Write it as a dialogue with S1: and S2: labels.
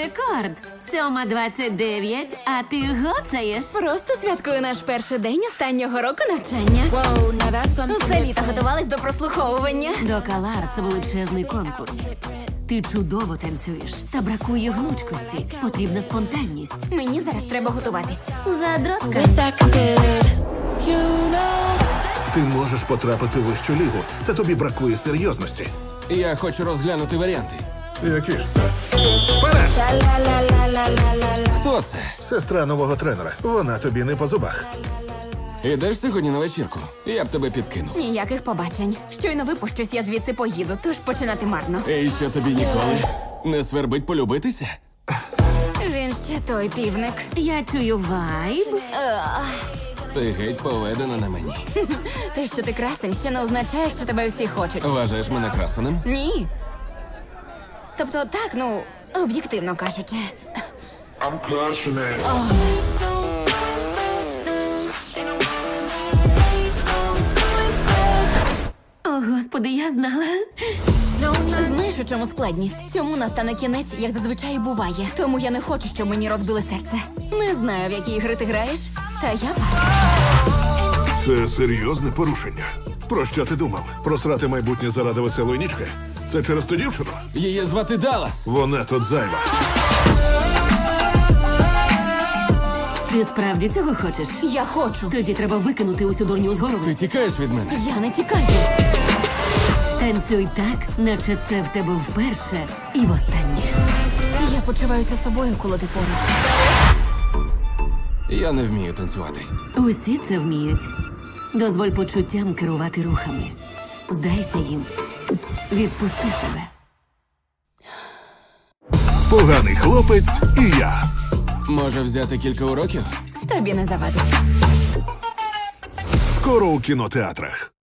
S1: рекорд. 7:29, а ти гоцаєш.
S2: Просто святкую наш перший день останнього року навчання.
S3: Whoa, now that's something
S2: Усе літо
S3: different.
S2: готувались до прослуховування.
S1: До Калар це величезний конкурс. Ти чудово танцюєш, та бракує гнучкості. Потрібна спонтанність.
S2: Мені зараз треба готуватись.
S1: Задротка.
S3: Wish I considered, you know.
S4: Ти можеш потрапити в вищу лігу, та тобі бракує серйозності.
S5: Я хочу розглянути варіанти.
S4: Які ж це? Вперед!
S3: Sha-la-la-la-la-la-la-la.
S5: Хто це?
S4: Сестра нового тренера. Вона тобі не по зубах.
S5: Ідеш сьогодні на вечірку? Я б тебе підкинув.
S2: Ніяких побачень. Щойно випущусь, я звідси поїду, тож починати марно.
S5: І що тобі ніколи не свербить полюбитися?
S2: Він ще той півник.
S1: Я чую вайб.
S5: Ти геть поведена на мені.
S2: Те, що ти красень, ще не означає, що тебе всі хочуть.
S5: Вважаєш мене красеним?
S2: Ні. Тобто, так, ну, об'єктивно кажучи.
S6: I'm crushing it.
S1: О, господи, я знала.
S2: Знаєш, у чому складність? Цьому настане кінець, як зазвичай і буває. Тому я не хочу, щоб мені розбили серце. Не знаю, в які ігри ти граєш, та я пас.
S4: Це серйозне порушення. Про що ти думав? Просрати майбутнє заради веселої нічки? Це через ту дівчину?
S5: Її звати Даллас.
S4: Вона тут зайва.
S1: Ти справді цього хочеш?
S2: Я хочу.
S1: Тоді треба викинути усю дурню з голови.
S5: Ти тікаєш від мене?
S2: Я не тікаю.
S1: Танцюй так, наче це в тебе вперше і востаннє.
S2: Я почуваюся собою, коли ти поруч.
S5: Я не вмію танцювати.
S1: Усі це вміють. Дозволь почуттям керувати рухами. Здайся їм. Відпусти себе.
S4: Поганий хлопець і я.
S5: Може взяти кілька уроків?
S2: Тобі не завадить.
S4: Скоро у кінотеатрах.